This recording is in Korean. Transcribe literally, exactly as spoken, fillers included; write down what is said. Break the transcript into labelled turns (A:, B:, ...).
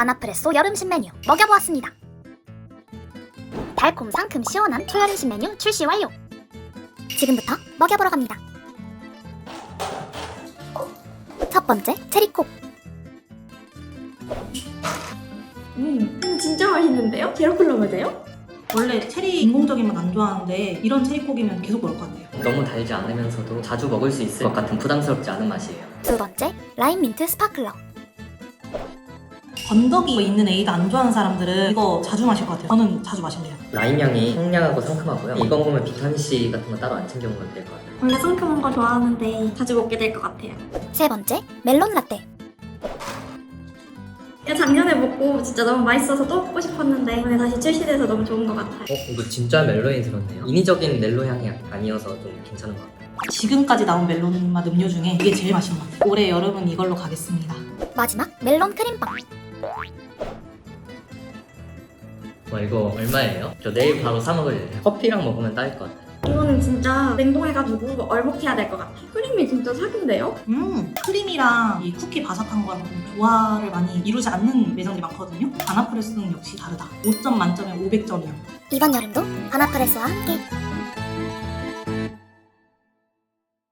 A: 바나프레소 여름 신메뉴 먹여보았습니다. 달콤 상큼 시원한 초여름 신메뉴 출시 완료! 지금부터 먹여보러 갑니다. 첫 번째, 체리콕.
B: 음, 진짜 맛있는데요? 제로콜 넣으면 돼요?
C: 원래 체리 인공적인 맛 안 좋아하는데 이런 체리콕이면 계속 먹을 것 같아요.
D: 너무 달지 않으면서도 자주 먹을 수 있을 것 같은 부담스럽지 않은 맛이에요.
A: 두 번째, 라임 민트 스파클러.
C: 건더기 있는 에이드 안 좋아하는 사람들은 이거 자주 마실 것 같아요. 저는 자주 마실래요.
D: 라임 향이 청량하고 상큼하고요. 이거 먹으면 비타민C 같은 거 따로 안 챙겨 먹어도 될 것 같아요.
B: 원래 상큼한 거 좋아하는데 자주 먹게 될 것 같아요.
A: 세 번째, 멜론 라떼.
B: 이거 작년에 먹고 진짜 너무 맛있어서 또 먹고 싶었는데 이번에 다시 출시돼서 너무 좋은 것 같아요.
D: 어? 이거 진짜 멜론이 들었네요. 인위적인 멜론 향이 아니어서 좀 괜찮은 것 같아요.
C: 지금까지 나온 멜론 맛 음료 중에 이게 제일 맛있는 것 같아요. 올해 여름은 이걸로 가겠습니다.
A: 마지막, 멜론 크림빵.
D: 와 이거 얼마예요? 저 내일 바로 사 먹을래요. 커피랑 먹으면 딱일 것 같아요.
B: 이거는 진짜 냉동해가지고 얼먹해야 될 것 같아요. 크림이 진짜 사기인데요?
C: 음, 크림이랑 이 쿠키 바삭한 거랑 좀 조화를 많이 이루지 않는 매장들이 많거든요. 바나프레스는 역시 다르다. 오 점 만점에 오백 점이요.
A: 이번 여름도 바나프레소와 함께